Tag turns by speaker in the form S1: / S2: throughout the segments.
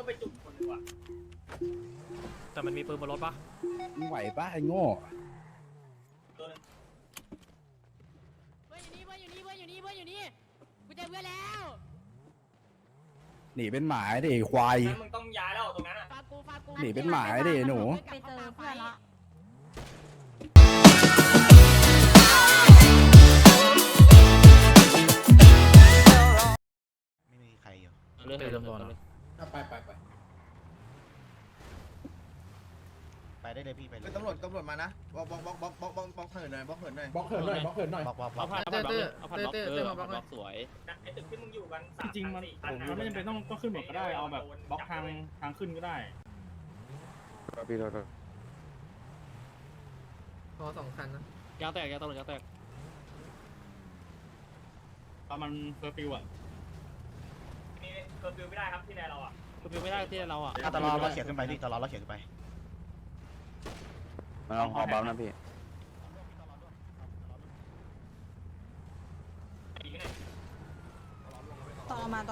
S1: ไปจุดคนดีกว่า
S2: แต่มันมีปืนบนรถปะ
S3: มึงไหวปะไอ้โง่
S1: ตัวนึง
S4: เพื่อนอยู่นี่กูเจอเพื่อนแล้ว
S3: หนีเป็นหมาดิไอ้ควาย
S1: งั้นมึงต้องย้ายแล้วตรงนั้นอ่ะ
S4: ฝากกู
S3: หนีเป็นหมาดิหนู
S4: ไปเจอเพื่อนละ
S5: ไม่มีใครอยู่
S2: เรื่องจำนวน
S3: ไป
S5: ไปได้เลยพี่ไปเลย
S6: ตำรวจมานะบล็อกเหินหน่อยบล็อกเหินหน่อย
S3: บล็อกเหินหน่อยบล็อกเหินหน่อย
S5: บอก
S2: เอาผ่านบล็อกเอาผ่านบล็อกบล็อกสวย
S1: ไอ้ตึกที่มึงอยู่กันสาม
S7: จริงๆมันผมว่าไม่จำเป็นต้องขึ้นหมดก็ได้เอาแบบบล็อกทางขึ้นก็ได้
S3: พี่โดน
S8: พอ2 คันนะ
S2: ยางแตกยางตำรวจยางแตก
S7: ตอนมันเฟอร์ฟิวอ่ะ
S1: มีเคอร์ฟิวไม่ได้ครับที่แนเราอ่ะ
S2: คือไม่ได้ที่เราอ่ะ
S5: ตลอดเราเขียนขึ้นไปพี่ตลอดเราเขียนขึ้นไป
S3: มาลองหอบัมนะพี่
S1: ดีไหม
S4: ตอมา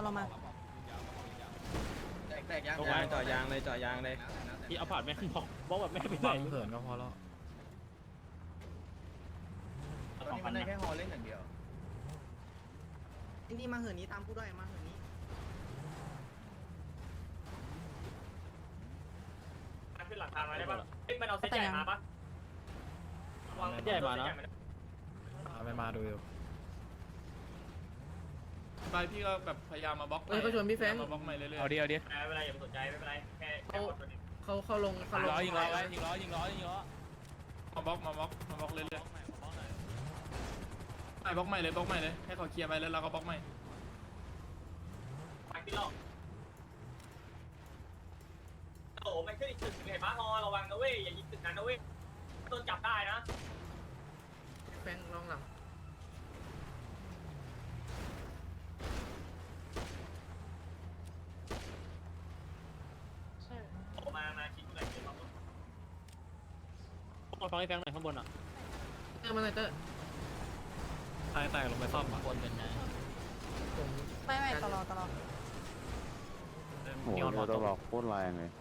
S6: แตกยัง
S8: จ่อยางเลย
S2: ที่เอาผ่านแม่งบอกแบบไม่ไปไหน
S8: เหินก็พอแล้ว
S6: ตอนนี้มันได้แค่ฮอเล่นอย่างเดียวนี่มาเหินนี้ตามผู้ด้วยมาเหินนี้
S1: ขึ้นหลังคามาได้ปะเอ้ยมันเอาเส้นใหญ่มาปะ
S2: ใหญ่มานะ
S8: ไม่มาดูอยู่
S9: ไปพี่ก็แบบพยายามมาบล็อก
S8: เอ้ยเขาชวนพี่แฟง
S9: มาบล็อกใหม่เรื่อยๆ
S2: เอาดิ
S1: ไม่เป็นไรอย่าไปสนใจไม่เป็นไรแค่ตัวนี้
S8: เขาลง
S9: ยิงล้อมาบล็อกมาบล็อกเรื่อยๆไปบล็อกใหม่เลยให้เขาเคลียร์ไปแล้วเราก็บล็อกใหม่
S1: ไปที่รอบโอ้โหมันขึ้นอีกตึกเห็นปะฮอระวังนะเว้ยอย่ายิงตึกนั้นนะเว้ยโดนจับได้นะ
S8: แฟงลองหลัง
S1: ออกมาคิดหน่อยเดี๋ยวเรา
S2: ฟังให้แฟงหน่อยข้างบนอ่ะ
S8: เตอร์มาหน่อยเตอร์
S2: ทายแตกลงไปซ่อมอ่ะบนเป็นไง
S8: ผม
S4: ไม่ตลอด
S3: โอ้โหตัวบอกโคตรแรงเลย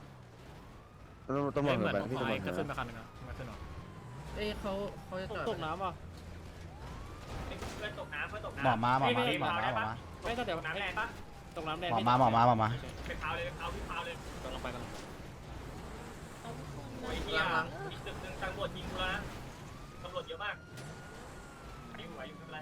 S3: ต้อง
S2: เห
S3: บ
S2: มื
S3: อ
S2: อก น
S3: แบบพี่
S2: ไฟ
S3: ตำรวจ
S2: ก็ขึ้นมาคันนึงอ่ะไม่ขึ้นหรอ
S8: เอ้ยเขาจะจอด
S2: ตกน้ำป่ะ
S1: เพื่อนตกน้ำ
S5: หมอมา
S2: ไม่ก็เดี๋ยว
S1: น้ำแรงปะ
S2: ตกน้ำแดง
S5: หมอมา
S1: ไปพาวเลยพี่พาวเลย
S2: กำลังไปกัน
S1: โอ้ยเฮียอีกตึกนึงตำรวจยิงกูแล้วนะตำรวจเยอะมากไหวอยู่ไม่เป็นไร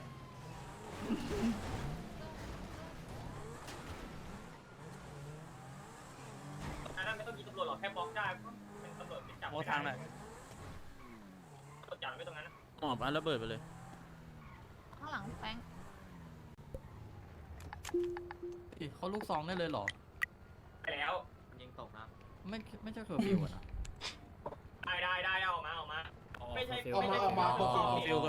S1: อันนั้นไม่ต้องยิงตำรวจหรอกแค่บล็อกได้เป็นตำรวจเป็นจับไม่ได้ตำรวจจับไม่ตรงนั้น
S2: หมอบอันระเบิดไปเลย
S4: ข้างหลังแฟง
S8: เขาลูกซองได้เลยเหรอ
S1: ไปแล้ว
S2: ยิงตกน้
S8: ไม่ใช่เคอร์ฟิวนะ
S1: ได้ออกมา
S2: ำ
S1: ไม่ใช่
S2: ฟิว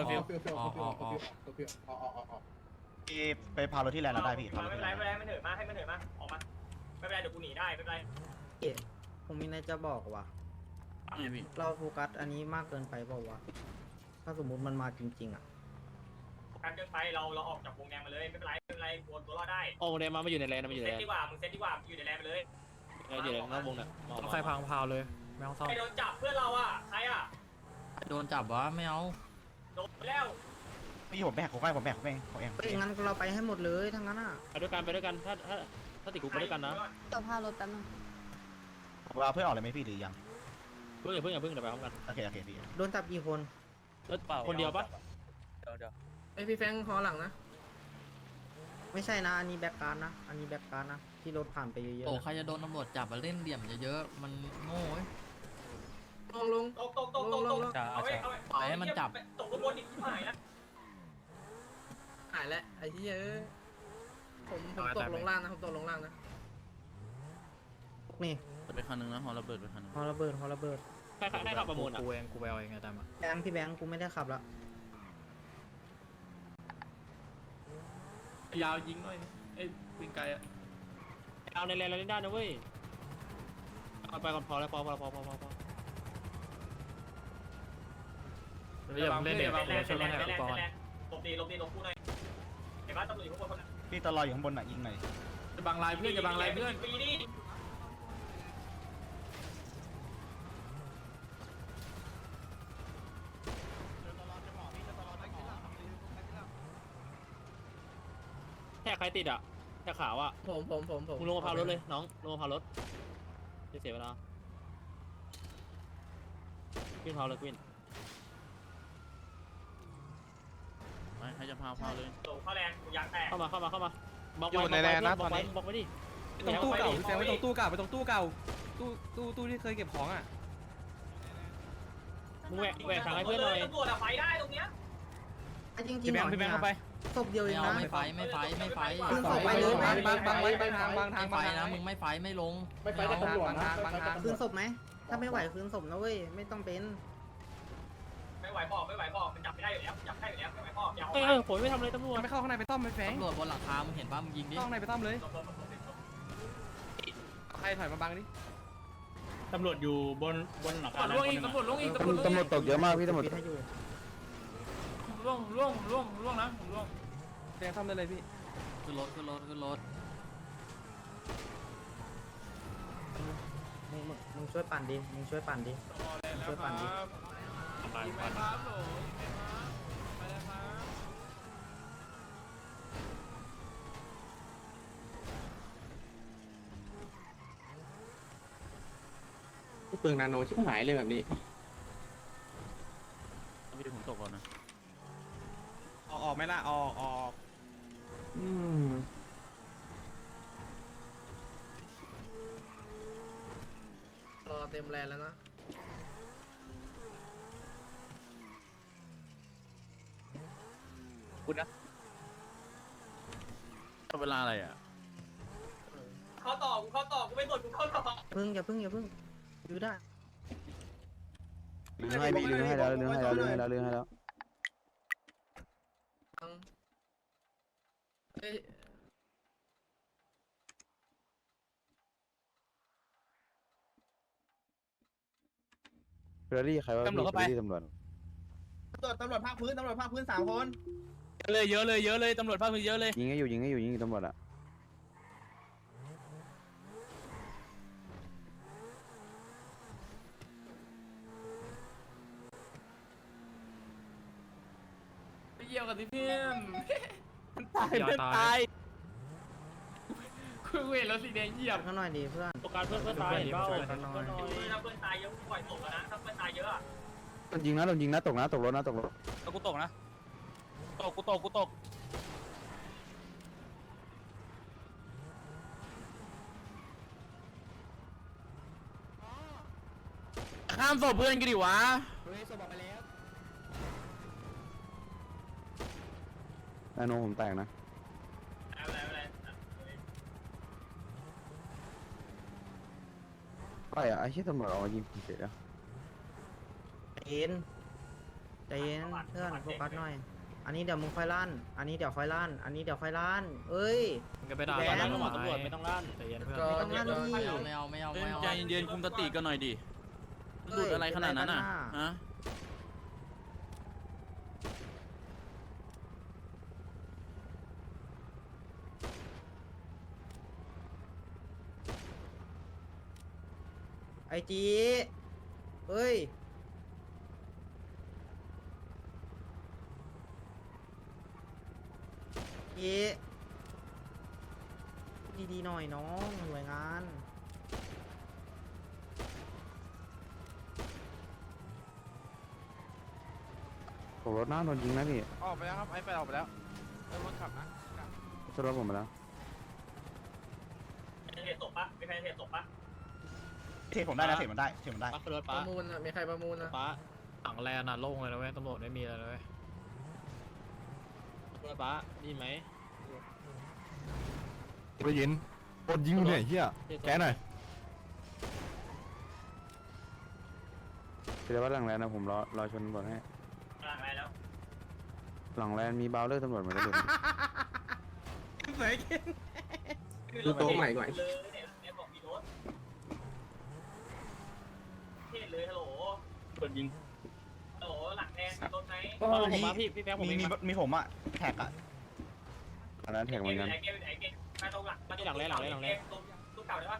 S5: พี่ไปพารถที่แลนด์เราได้พี่
S1: ไม่เป็นไรมันเหนื่อยมากให้มันเหนื่อยมากออกมาไม่เป็นไรเดี๋ยวกูหนีได้ไม่เป็นไร
S10: ผมมีอะไรจะบอกว่ะ
S2: ไงพี่
S10: เราโฟกัสอันนี้มากเกินไปเปล่าวะ ถ้าสมมุติมันมาจริงๆอ่ะ
S1: การเดินไปเราออกจากวงแดงมาเลยไม่เป็นไรกลัวตัวรอดได้
S2: โอ้เดมาอยู่ในแลนด์มาอยู่ใน
S1: เซ
S2: แล
S1: ต
S2: นด์
S1: ดีกว่ามึงเซตดีกว่าอยู่ในแลนไปเลย
S2: อยู่ในนอกวงเนี่ยใครพังพาวเลยไม่ต้องซ่อม
S1: ใครโดนจับเพื่อนเราอ่ะใครอ่ะ
S8: โดนจับวะไม่เอา
S1: โดนแล้ว
S5: พี่ผมแบกผมเอง
S10: เฮ้ยงั้นเราไปให้หมดเลยทั้งนั้นอ่ะ
S2: ไปด้วยกันถ้าติดคุกไปด้วยกันนะ
S4: ตัวพารถแป๊บนึง
S5: เราเพื่อนออกเลยไหมพี่หรือยัง
S2: เพิ่งเดี๋ยวไปพร้อมกัน
S5: โอเคพี่
S10: โดนจับกี่คน
S2: คนเดียวปะ
S8: เอ้ยพี่แฟงหอหลังนะ
S10: ไม่ใช่นะ อันนี้แบ็กการ์ดนะ อันนี้แบ็กการ์ดนะ ที่รถผ่านไปเยอะๆ
S8: โอ้
S10: นะ
S8: ใครจะโดนตำรวจจับมาเล่นเหลี่ยมเยอะๆมันโง่ลง
S1: ตกเอาไว้ตกลงบนอีกที่หายนะ
S8: หายแล้วไอ้ที่เยอะผมตกลงล่างนะนี่
S2: ไปคันนึงนะฮอระเบิดไปคันนึง
S10: ฮอระเบิด
S2: ใครขับประมูลอ่ะ
S8: กูไปเอาเองไงตามอ่ะ
S10: พี่แบงค์กูไม่ได้ขับละ
S9: ยาวยิงหน่อยไอ้วิ่งไกลอ่ะ
S2: เอาในแลนด์เราได้นะเว้ยเอาไปก่อนพอแล้วพอเดี๋ยวเล่นเดี๋ยวช่วยกันให้ก่อน
S1: หลบดีคู่หน่อยเห็นปะตำรวจอยู่ข้างบนคน
S5: พี่ตลอดอยู่ข้างบนยิงหน่อย
S9: จะบังลายเพื่อน
S1: ปีนี่
S2: ติดอ่ะแต่ขาวอ่ะ
S8: ผม
S2: มึงลงมาพารถเลยน้องลงมาพารถจะเสียเวลาขึ้นพาวเลยขึ้น
S9: ไม่ให้จะพาเลย
S1: โตเข้าแรงกูยางแตก
S2: เข้ามาบล็อก
S9: อยู่
S2: ไว้
S9: ในแลนด์นะ
S2: บล็อก
S9: ตอนนี้
S2: ไว้บล็อกไว้ดิ
S9: ตรงตู้เก่าพี่แซมไปตรงตู้เก่าไปตรงตู้เก่าตู้ที่เคยเก็บของอ่ะ
S2: มึงแหวกทางให้เพื่อนหน่อย
S1: ตำรวจอะไฟได้ตรงเนี้ย
S10: ไอ้จริง
S9: พี่แบงค์เข้าไป
S10: ศพเดียวเองนะ
S8: ไม่ไฟ
S10: ขึ้นศพไปเลย
S9: บางไว้บางทางบางทาง
S8: ไฟนะมึงไม่ไฟไม่ลง
S7: ไม่ไปกับตำรวจนะ
S10: คืนศพไหมถ้าไม่ไหวคืนศพนะเว้ยไม่ต้องเป็น
S1: ไม่ไหวบอกมันจับไม่ได้อยู่แล้วจับได้อยู่แล้วไม่ไหวบอกอย่าเอา
S2: เฮ้ยผมไม่ทำอะไรตำรวจ
S9: ไม่เข้าข้างในไปต้อมไปแฝง
S8: ตำรวจบนหลังคามึงเห็นป่ะมึงยิงดิ
S9: เข้าข้างในไปต้อมเลยใครถอยมาบังดิ
S7: ตำรวจอยู่บนหลังคา
S9: ตำรวจลงอีกตำรวจลงอีก
S3: ตำรวจตกเยอะมากพี่ตำรวจ
S10: ปิดให้อยู่
S9: ล่วงนะผมล่วงแฝงซ่อมได้เลยพี่
S8: ขึ้นรถ
S10: มึงช่วยปั่นดิมึงช่วยปั่นดิ ช่วยปั่นดิ
S7: เปลืองนาโนชิบหายเลยแบบนี้
S9: พี่ผมตกก่อนนะออกไหมล่ะออก
S8: รอเต็มแลนแล้วนะ
S9: เวลาอะไรอ่ะ
S1: เข้าต่อกูไม่กดกูเข้าต่อ
S10: อย่าพึ่งดูได้
S3: ลืมให้พี่ลืมให้แล้วลืมให้แล้ว
S8: เอ้ย
S3: เฟอร์รี่ใครว่าพี่เฟอร์รี่ตำรวจ
S6: ตำรวจภาคพื้น3 คน
S9: เยอะเลยตำรวจภาคพื้นเยอะเลย
S3: ยิงให้อยู่ตำรวจอ่ะ
S9: ไปเยี่ยวกันสิเพื่อน
S2: ตาย
S9: คุยเวทแล้วสีแดงเหยียบ
S10: ข้างหน่อยดิเพื่อน
S2: โอกาสเพื่อนตายเห็นเปล่า
S10: ข้างหน่อย
S1: ถ้าเพื่อนตายเยอะกูปล่อยตกแล้วนะถ้าเพื่อนตายเยอะอะ
S3: โดนยิงนะตกรถ
S9: แล้วกูตกนะกูตกข้ามศพเพื่อนกันดิวะ
S3: นาโนผมแตกนะ
S1: อะไร
S3: ไปอ่ะไอ้ที่ตำรวจเอามายิงผมเสร็จแล้ว
S10: ใจเย็นเพื่อนโฟกัสหน่อย อันนี้เดี๋ยวมึงค่อยลั่น อันนี้เดี๋ยวค่อยลั่นเอ้ย
S2: มึงก็ไปด่าตำรวจไม่ต้องลั่นใจเย็นเพื่อน
S8: ก็
S10: ไม่ต้องลั่นดิ
S8: ไม่เอา
S9: ใจเย็นๆคุมสติกันหน่อยดิหลุดอะไรขนาดนั้นอ่ะฮะ
S10: ไอจีเอ้ยจีดีๆหน่อยน้องหน่วยงาน
S3: ตกรถนะโดนยิงนะพี่
S9: ออกไปแล้วครับไอ้ไปออกไปแล้วรถขับนะ
S3: ชนรถผมไปแล้ว
S1: เหตุตกปะมีใครเหตุตกปะ
S5: เทผมได้นะเทมันได้
S2: ป้าขึ้นรถ
S8: ป
S2: ป้า
S8: ระมูลอ่ะมีใครประมูลนะ
S2: ป้าหลังแลนน่ะโล่งเลยนะเว้ยตำรวจไม่มีอะไรเลยเว้ยขึ้นรถป้าดีไหม
S3: ได้ยินโดนยิงเนี่ยเฮียแกหน่อยเดี๋ยวว่าหลังแลนนะผมรอชนตำรวจให้
S1: อะไรแล้ว
S3: หลังแลนมีบาวเลอร์ตำรวจเหมือนกันเลย
S7: ดูโต๊ะใหม่ก่อน
S1: เลยเนี่ยบอกมีรถเทศเลยฮัลโหล
S7: โดนยิง
S1: ฮัลโหลหลังแดงมีรถไหม
S2: ผมมาพี่แป๊บผม
S5: มีผมอ่ะแท็กอ่ะ
S3: อันนั้นแท็กเหมือนกัน
S1: ไอ้เกมมาตรงหลังตรงตู้เก่าได้ปะ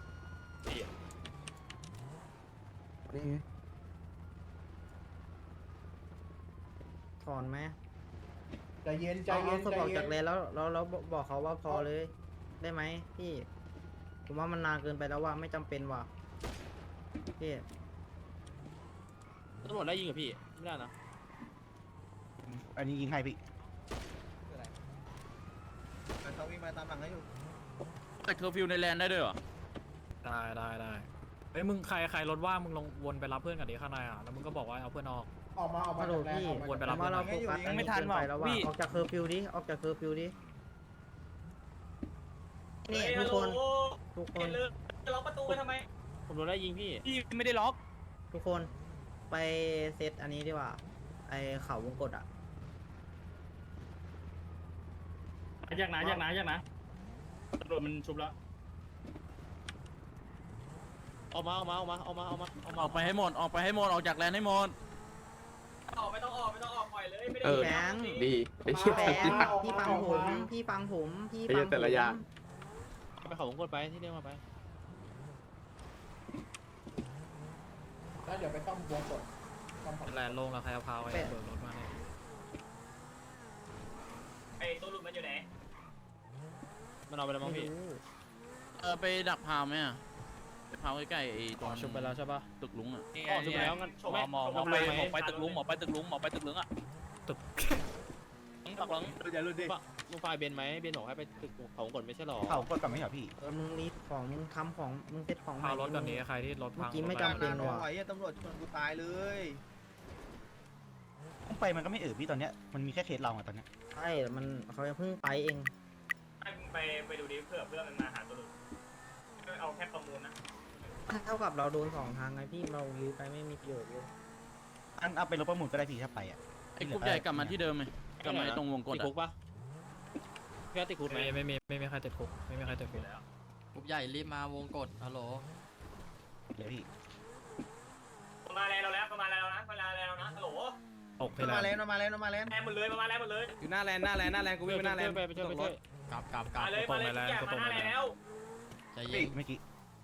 S3: นี่ไง
S10: ถอนไหม
S6: ใจเย็นใจ
S10: เอา
S6: เย็น
S10: ศพ
S6: ใจ
S10: ออก
S6: เย็
S10: จาก
S6: น
S10: เลนแล้วบอกเขาว่าพอเลย ได้ไหมพี่ ผมว่ามันนานเกินไปแล้วว่าไม่จำเป็นว่ะพี่
S2: ตำรวจได้ยิงกับพี่ไม่ได้นะ
S5: อันนี้ยิงให้พี่
S6: เขาวิ่งมาตามหลังให้อยู่
S9: แต่เคอร์ฟิวในแลนด์ได้ด้วยเหรอ
S7: ได้เฮ้ยมึงใครรถว่างมึงลงวนไปรับเพื่อนกันดีข้างในอ่ะแล้วมึงก็บอกว่าเอาเพื่อนออก
S6: ออกมา
S10: ฮัลโหลพี่
S7: วนไป
S10: ผ
S7: รับ
S10: มว่าเราโฟกัสอันนี้เกินไปแล้วว่าออกจากเคอร์ฟิวดิออกจากเคอร์ฟิวดินี่ทุกคนทุกค
S1: เห็
S10: น
S1: นเลยจะล็อกประตูไปทำไม
S2: ผมโดนได้ยิงพี่
S9: พี่ไม่ได้ล็อก
S10: ทุกคนไปเซตอันนี้ดีกว่าไอเขาวงกตอ่ะ
S7: อยากนะตำรวจมันชุบแล้ว
S2: ออกมา
S9: ออกไปให้หมดออกจากแลนด์ให้หมด
S1: ไม่ต้องออกปล่อยเลยไม่ได้
S10: แบงค์
S11: ดีไอ้เชี่ย
S10: แบงค์พี่ฟังผมพี่ฟังผมพี่ฟังผม
S11: แต่ละอย่าง
S2: ไปเขาวงกดไปที่เรียกมาไป
S6: แล้วเดี๋ยวไปต้อมวงกดต้อม
S7: แลนด์ลงแล้วใครเอาพาไว้เบิกรถมาเนี่ย
S1: ไอ้ตัวหลุดมันอยู่ไหน
S2: มันเอาไปแล้วมั้งพี่
S9: ไปดักพาวไหมอ่ะไปพาวใกล้ๆไอ้ตรง
S2: ชุบไปแล้วใช่ปะ
S9: ตึกลุงอ่ะ
S2: อ๋อชุบไปแล้วงั้น
S9: หมอไปตึกลุงอ่ะตึกลุงอ่ะ
S7: ตึก
S9: ตักหลัง
S6: อย่าหลุดดิ
S2: มึงไฟเบนไหมเบนบอกให้ไปตึกเขาวงกดไม่ใช่หรอ
S5: เขากดกลับไม่เหรอพี่
S10: มึงรีบของมึงทำของมึงเซตของ
S7: พารถกันนี้ใครที่รถพัง
S10: เมื่อกี้ไม่จำเป็น
S6: ไม่ไหวตำรวจชนกูตายเลย
S5: ต้องไปมันก็ไม่พี่ตอนเนี้ยมันมีแค่เคสเราอะตอนเนี้ย
S10: ใช่มันเขาเพิ่งไปเอง
S1: ให้มึงไปดูดิเผื่อเพื่อนมันมาหาตัวหลุดเอาแค่ประมูลนะ
S10: เท่ากับเราโดนสองทางไงพี่เรายื้อไปไม่มีประโยชน์เลย
S5: อันเอาไปรถประมูลก็ได้พี่ถ้าไปอ่ะ
S9: ไอ้กรุ๊ปใหญ่กลับมาที่เดิมไหมกลับมาตรงวงกด
S2: ติด
S9: อ่ะ
S2: คุกปะพี่ติดคุกไหม
S7: ไม่มีใครติดคุกไม่มีใครติดคุก
S11: กรุ๊ปใหญ่รีบมาวงกดฮัลโหล
S5: เดี๋ยวพี่
S1: มาแล้วนะฮัลโหล
S7: ตกที่แล
S6: มาน แล้ว
S7: ด์
S6: มาแล้วมาแล้ว
S1: แลนหมดเลยมาแล้วหมดเลย
S11: อยู่หน้าแลนด์กูวิ่งไปหน้าแลนด์
S2: ไปช่วย
S11: กลับ
S1: มาเลยทุกอย่างมาหน้าแล้ว
S11: ใจเย็
S5: พี่
S11: น
S5: เมื่อกี้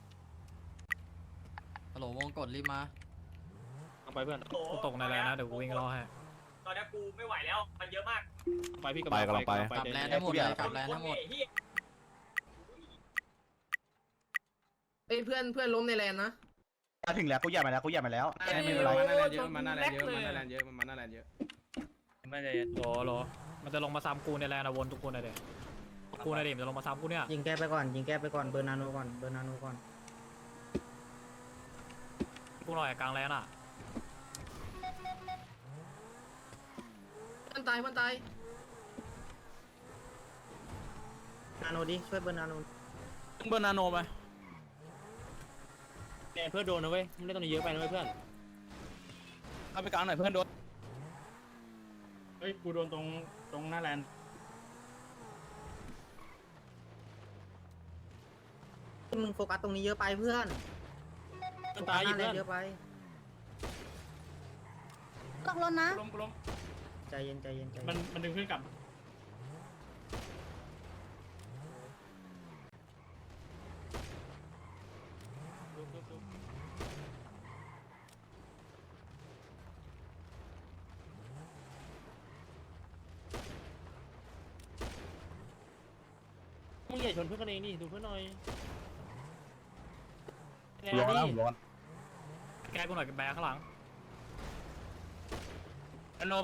S11: ฮัลโหลวงกดรีบมา
S2: เอาไปเพื่อน
S7: กูตกในแลนด์นะเดี๋ยวกูวิ่งรอให้
S1: ตอนนี้กูไม่ไหวแล้วมันเยอะมาก
S2: ไปพี่
S11: กลับแลนด์ทั้งหมดเลยกลับแลนด์ทั้งหมด
S8: เอ้ยเพื่อนล้มในแลนด์นะ
S5: มาถึงแล้วกูอยากมาแล้วไม่เป็นไร
S11: มาหน้าแลนด์เยอะ
S9: ไม่ได้
S7: รอมันจะลงมาซ้ำกูในแลนด์วนทุกคนเลยกูในเดมจะลงมาซ้ำกูเนี่ย
S10: ยิงแก้ไปก่อนเบอร์นาโนก่อน
S7: กูหน่อยกลางแลนด์อ่ะ
S8: เพื่อนตาย
S10: นาโนดิช่วยเบอร์นาโน
S9: เบอร์นาโนไป
S2: เพื่อนโดนนะเว้ยไม่ได้ตรงนี้เยอะไปนะเว้ยเพื่อน
S9: เอาไปกลางหน่อยเพื่อนโดน
S7: เฮ้ยกูโดนตรงหน้าแลนด์
S10: มึงโฟกัสตรงนี้เยอะไปเพื่อน
S2: ตายอยู่
S10: หน้
S2: เพื่อน
S10: เยอะไป
S4: ตกรถนะ
S7: ล้ม
S10: ใจเย็น
S7: มันดึงขึ้นกลับ
S2: มึงอย่าชนเพื่อนกันเองดิดูเพื่อนหน่อย
S3: ร้อนนะผมร้อน
S7: แกกูหน่อยแบกข้างหลัง
S9: นาโนไป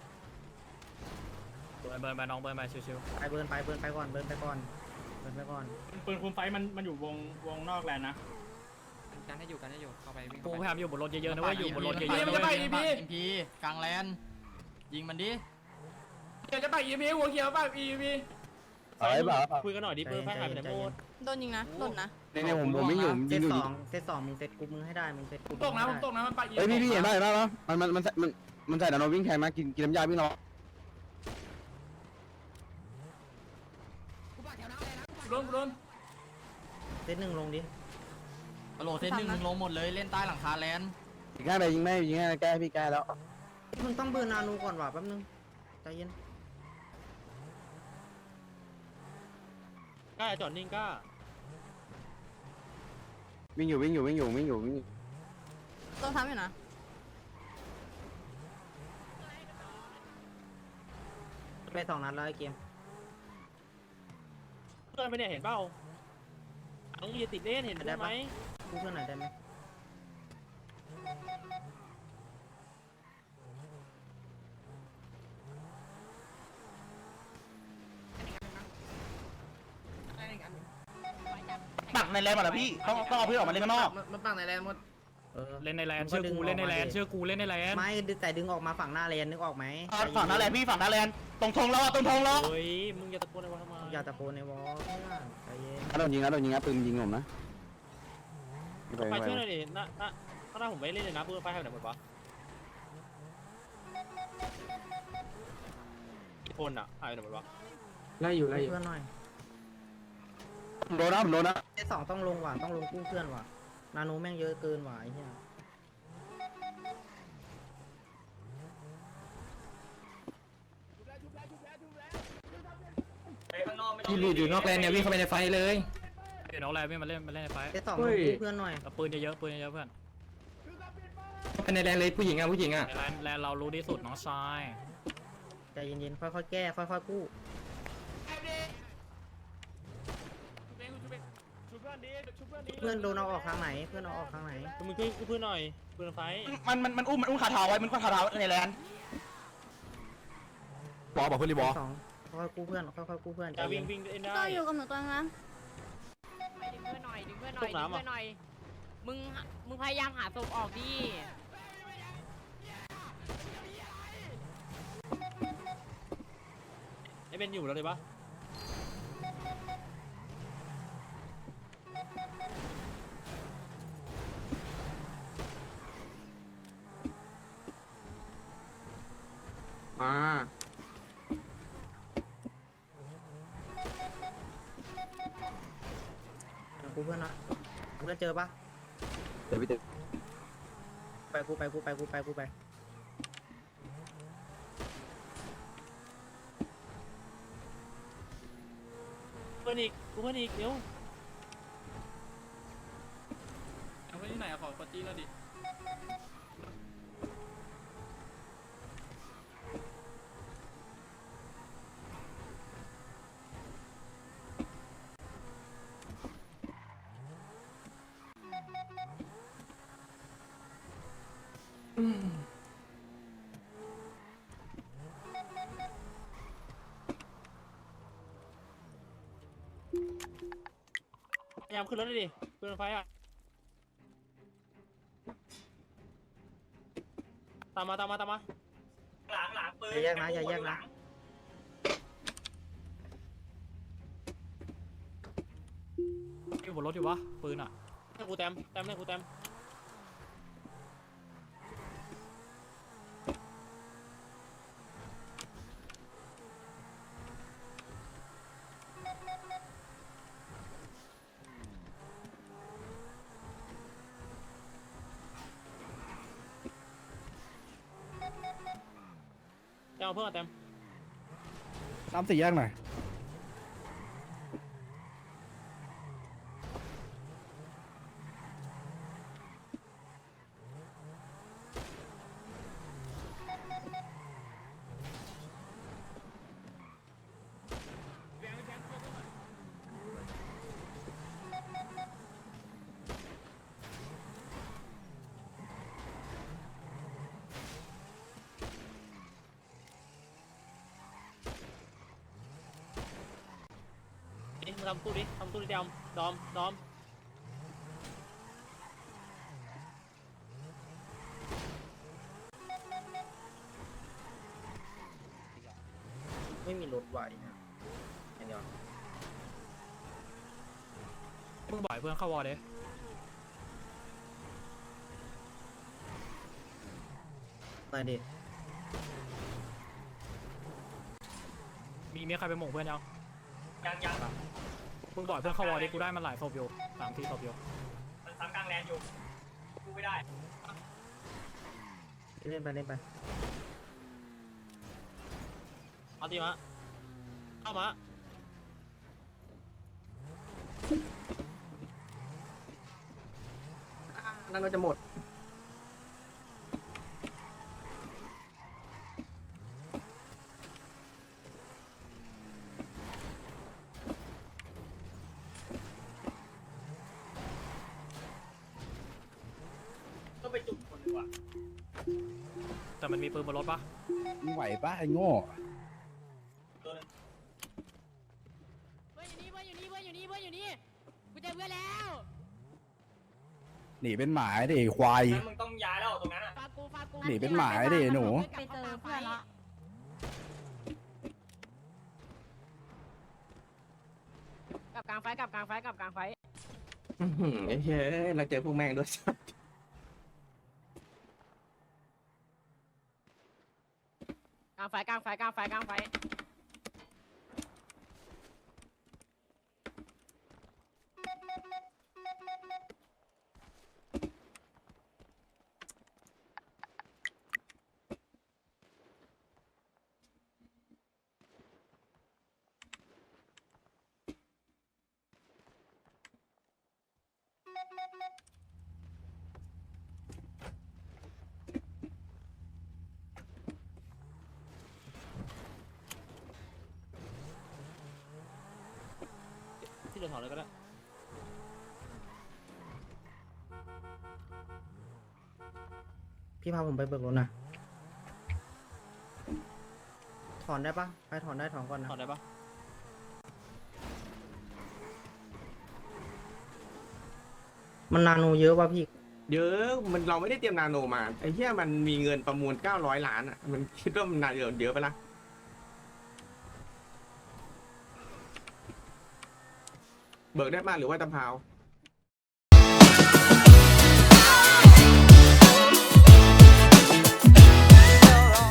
S7: เบิร์นน้องเบิร์นไปชิว
S10: ไปเบิร์นไปก่อน
S7: ปืนคุมไฟมันอยู่วงนอกแลนด์นะ
S11: กันให้อยู่เข้าไปวิ่ง
S7: กูพยายามอยู่บนรถเยอะๆนะเว้ยอยู่บนรถเยอะๆ
S11: มันจะไปอีพีกลางแลนด์ยิงมันดิ
S3: อะไรบ้า
S2: คุยกันหน่อยดิเพื่อนแพ้หายไปไหนหมด
S4: โดนยิงนะหล่นนะ
S3: เนี่ยผมไม่อยู่
S10: เซ
S3: ยิง
S10: ต
S3: อยู่
S10: สองมึงเซตกรุ๊ปมึงให้ได้มึงเซตกรุ๊ป
S7: ตกนะมันไป
S3: เฮ้ยพี่เห็นได้ปะมันใส่นาโนวิ่งแทงนะกินน้ำยาวิ่งรอ
S7: โดน
S10: เซตหนึ่งลงดิ
S11: ฮัลโหลเซตหนึ่งมึงลงหมดเลยเล่นใต้หลังคาแลนด์
S3: ยิงง่ายไปยิงไม่ยิงง่ายแก้พี่แก้แล้ว
S10: มึงต้องเบอร์นาโนก่อนว่ะแป๊บนึงใจเย็น
S2: กล้าจอดนิ่งกล้า
S3: วิ่งอยู่
S4: โดนทำอยู่นะ
S2: โ
S10: ไปสองนัดแล้วไอ้เกม
S2: เพื่อนไปเนี่ยเห็นเปล่าน้องอย่าติดเล่นเห็นได้ไหม
S10: กู้เพื่อนหน่อยได้ไหม
S5: ปักในแลนด์หมดแล้วพี่ต้องเอาเพื่อนออกมาเล่นข้างนอก
S8: มันปังในแรงหมด
S7: เล่นในแลนเชื่อกูเล่นในแลนเชื่อกูเล่นในแลน
S10: ไม่แต่ดึงออกมาฝั่งหน้าเลนนึกออกไหม
S5: ฝั่งหน้าแลนด์พี่ฝั่งหน้าแลนด์ตรงธงล้อตรงธงล้อ
S2: เฮ้ยมึงอย่าตะโกนอะไรวะทำไม
S10: อย่าตะโกนในวอลเพื่อนใจเย็น
S3: โดนยิงนะโดนยิงนะปืนยิงผมนะ
S2: ไปช่วยหน่อยดิข้างหน้าผมไม่เล่นเลยนะเพื่อนไฟหายไปไหนหมดวะกี่คนอ่ะหายไปไหนหมดวะ
S10: ไล่อยู่เพื่อนหน่อย
S3: โดนนะผมโดนนะ
S10: ไอ้สองต้องลงว่ะต้องลงกู้เพื่อนว่ะนาโนแม่งเยอะเกินว่ะไอ้เหี้ย
S1: ไปข้างนอกไม่ต้
S11: ที่หลุดอยู่นอกแลนเนี่ยวิ่งเข้าไปในไฟเลย
S7: เดี๋ยวน้องแลนมาเล่นในไฟ
S10: ไอ้สองลงกู้เพื่อนหน่อย
S7: ปืนเยอะๆปืนเยอะๆเพื่อน
S11: เข้าไปในแลนเลยผู้หญิงอ่ะผู้หญิงอ่ะ
S7: แลนเรารู้ที่สุดน้องชาย
S10: ใจเย็นๆค่อยๆแก้ค่อยๆกู้ เพื่อนโดนเอาออกทางไหนเพื่อนเอาออกทางไหน
S2: มึงช่วยเพื่อนหน่อยเพื่อนไฟ
S5: มันอุ้มคาเท้าไว้มันคาเท้าในแลนด์
S3: บอกเพื่อนรีบอ
S10: สองค่อยๆกู้เพื่อนค่อยๆกู้เพื่อนใจ
S2: จะ
S10: เย็
S2: วิ่ง
S10: น
S2: วิ่งได้
S4: ก็อยู่กับหนูตัวนึงนะ
S12: ดึงเพื่อนหน่อยดึงเพื่อนหน่อยดึงเพื่อนหน่อยมึงพยายามหาศพออกดิ
S2: ไอ้เบนอยู่แล้วเลยปะ
S10: มากู้เพื่อนนะเพื่อนเจอปะ
S3: เดี๋ยวพี่เต้
S10: ไปกู้ไปกู้ไปกู้ไปกู้ไป
S2: เพื่อนอีกเพื่อนอีกเดี๋ยว
S9: เอาไว้ที่ไหนอะขอปจี้แล้วดิ
S2: พยายามขึ้นรถเลยดิเพื่อนไฟอ่ะตามมา
S1: หลังปืน
S10: อย่าแยกนะอย่าแยกนะ
S7: อยู่บนรถอยู่วะปืนอ่ะ
S2: ให้กูแต้มให้กูแต้มเอาเพื่อนแต้ม
S3: น้ำสี่แยกหน่อย
S2: นี่มึงทำตู้ดิดอม
S10: ไม่มีรถไหวนะเดี๋ยว
S7: มึงบ่อยเพื่อนเข้าวอร์เด้
S10: ไปดิ
S7: มีใครไปหม่งเพื่อนยัง
S1: ยัง
S7: มึงบ่อยเพื่อนเข้าวอร์เด้กูได้มันหลายศพอยู่3 4ศพอยู่
S1: มันซ้ำกลางแลนอยู่กูไม่ได้
S10: เล่นไปเล่นไป
S2: เอาทีมะเข้ามา
S10: นั่นก็จะหมด
S1: อ่ะ
S7: แต่มันมีปืนบนรถปะ
S3: มึงไหวปะไอ้โง่
S1: ตัวนึง
S4: เพื่อนอยู่นี่เพื่อนอยู่นี่เพื่อนอยู่นี่กูเจอเพื่อนแล้ว
S3: หนีเป็นหมาดิไอ้ควาย
S1: งั้นมึงต้องย้ายแล้วตรงนั้นอ่ะ
S4: ฝากกู
S3: หนีเป็นหมาดิหนู
S4: ไปเจอเพื่อนละ
S12: กับกลางไฟกับกลางไฟกับกลางไฟ
S5: เฮ้ยเราเจอพวกแม่งด้วย
S12: กลางไฟกลางไฟกลางไฟกลางไฟ
S2: ที่เราถอดเลยก็ได้
S10: พี่พาผมไปเบิกรถนะถอนได้ปะไปถอนได้ถอนก่อนนะ
S2: ถอดได้ปะ
S10: มันนาโนเยอะป่ะพี่
S5: เยอะมันเราไม่ได้เตรียมนาโนมาไอ้เหี้ยมันมีเงินประมูล900 ล้านอ่ะมันคิดว่ามันนาโนเยอะไปละเบิกได้มาหรือว่าตะพาว